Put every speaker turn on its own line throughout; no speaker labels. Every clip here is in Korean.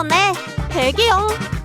다음에 대기용.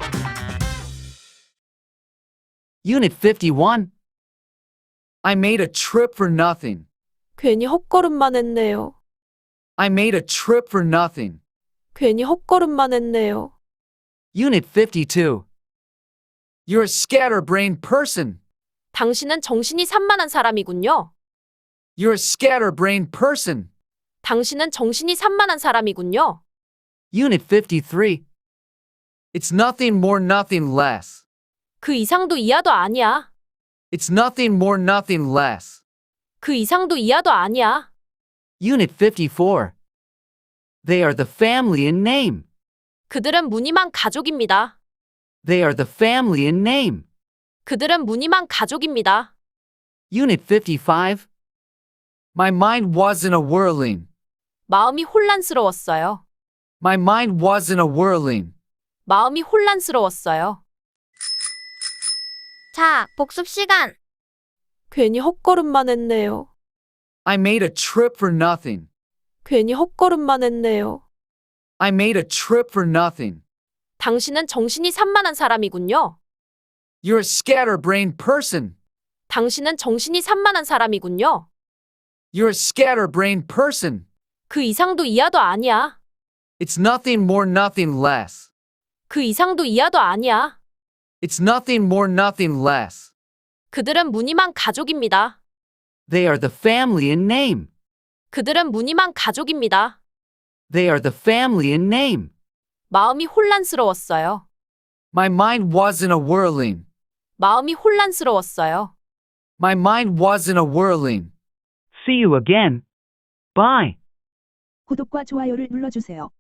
Unit 51. I made a trip for nothing.
괜히 헛걸음만 했네요.
I made a trip for nothing.
괜히 헛걸음만 했네요.
Unit 52. You're a scatterbrained person.
당신은 정신이 산만한 사람이군요.
You're a scatterbrained person.
당신은 정신이 산만한 사람이군요.
Unit 53. It's nothing more, nothing less.
그 이상도 이하도 아니야.
It's nothing more, nothing less.
그 이상도 이하도 아니야.
Unit 54. They are the family in name.
그들은 무늬만 가족입니다.
They are the family in name.
그들은 무늬만 가족입니다.
Unit 55. My mind wasn't a whirling.
마음이 혼란스러웠어요.
My mind wasn't a whirling.
마음이 혼란스러웠어요.
자, 복습 시간.
괜히 헛걸음만 했네요.
I made a trip for nothing.
괜히 헛걸음만 했네요.
I made a trip for nothing.
당신은 정신이 산만한 사람이군요.
You're a scatterbrained person.
당신은 정신이 산만한 사람이군요.
You're a scatterbrained person.
그 이상도 이하도 아니야.
It's nothing more, nothing less.
그 이상도 이하도 아니야.
It's nothing more, nothing less.
그들은 무늬만 가족입니다.
They are the family in name.
그들은 무늬만 가족입니다.
They are the family in name.
마음이 혼란스러웠어요.
My mind wasn't a whirling.
마음이 혼란스러웠어요.
My mind wasn't a whirling. See you again. Bye.
구독과 좋아요를 눌러주세요.